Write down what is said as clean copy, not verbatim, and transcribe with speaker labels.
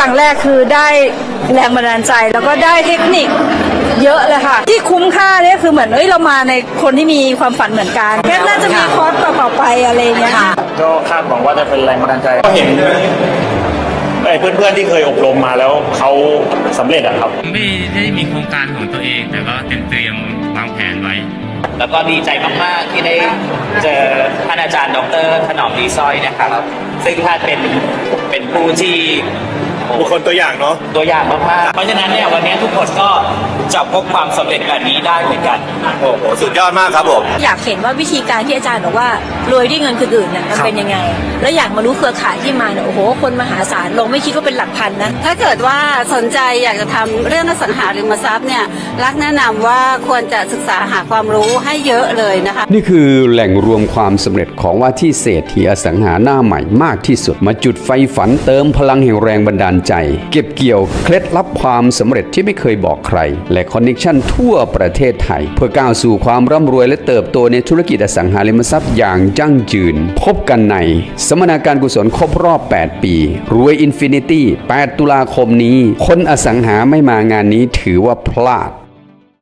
Speaker 1: รั้งแรกคือได้แรงบันดาลใจแล้วก็ได้เทคนิคเยอะเลยค่ะที่คุ้มค่าเนี่ยคือเหมือนเรามาในคนที่มีความฝันเหมือนกันแค่น่าจะมีคอร์สต่อไปอะไรเงี้ยค่ะ
Speaker 2: ก็คาดหวังว่าจะเป็นแรงบันดาลใจก็เห็นเพื่อนๆที่เคยอบรมมาแล้วเขาสำเร็จอะครับ
Speaker 3: ไม่ได้มีโครงการของตัวเองแต่ก็เตรียมวางแผนไว้
Speaker 4: แล้วก็ดีใจมากๆที่ได้เจอท่านอาจารย์ดร.ถนอมดีสร้อยนะครับซึ่งท่านเป็นผู้ที่
Speaker 2: บุคคลตัวอย่างเนาะ
Speaker 4: ตัวอย่างมากๆเพราะฉะนั้นเนี่ยวันนี้ทุกคนก็จะพบความสำเร็จแบบนี้ได้เหมือนกัน
Speaker 2: โอ้โหสุดยอดมากครับผม
Speaker 1: อยากเห็นว่าวิธีการที่อาจารย์บอกว่ารวยด้วยเงินคนอื่นเนี่ยมันเป็นยังไงแล้วอยากมารู้เครือข่ายที่มาเนี่ยโอ้โหคนมหาศาลลงไม่คิดว่าเป็นหลักพันนะ
Speaker 5: ถ้าเกิดว่าสนใจอยากจะทำเรื่องอสังหาริมทรัพย์เนี่ยรักแนะนำว่าควรจะศึกษาหาความรู้ให้เยอะเลยนะคะ
Speaker 6: นี่คือแหล่งรวมความสำเร็จของว่าที่เศรษฐีอสังหาหน้าใหม่มากที่สุดมาจุดไฟฝันเติมพลังแห่งแรงบันดาลใจเก็บเกี่ยวเคล็ดลับความสำเร็จที่ไม่เคยบอกใครและคอนเนคชั่นทั่วประเทศไทยเพื่อก้าวสู่ความร่ำรวยและเติบโตในธุรกิจอสังหาริมทรัพย์อย่างยั่งยืนพบกันในสัมมนาการกุศลครบรอบ 8 ปีรวยอินฟินิตี้ 8 ตุลาคมนี้คนอสังหาไม่มางานนี้ถือว่าพลาด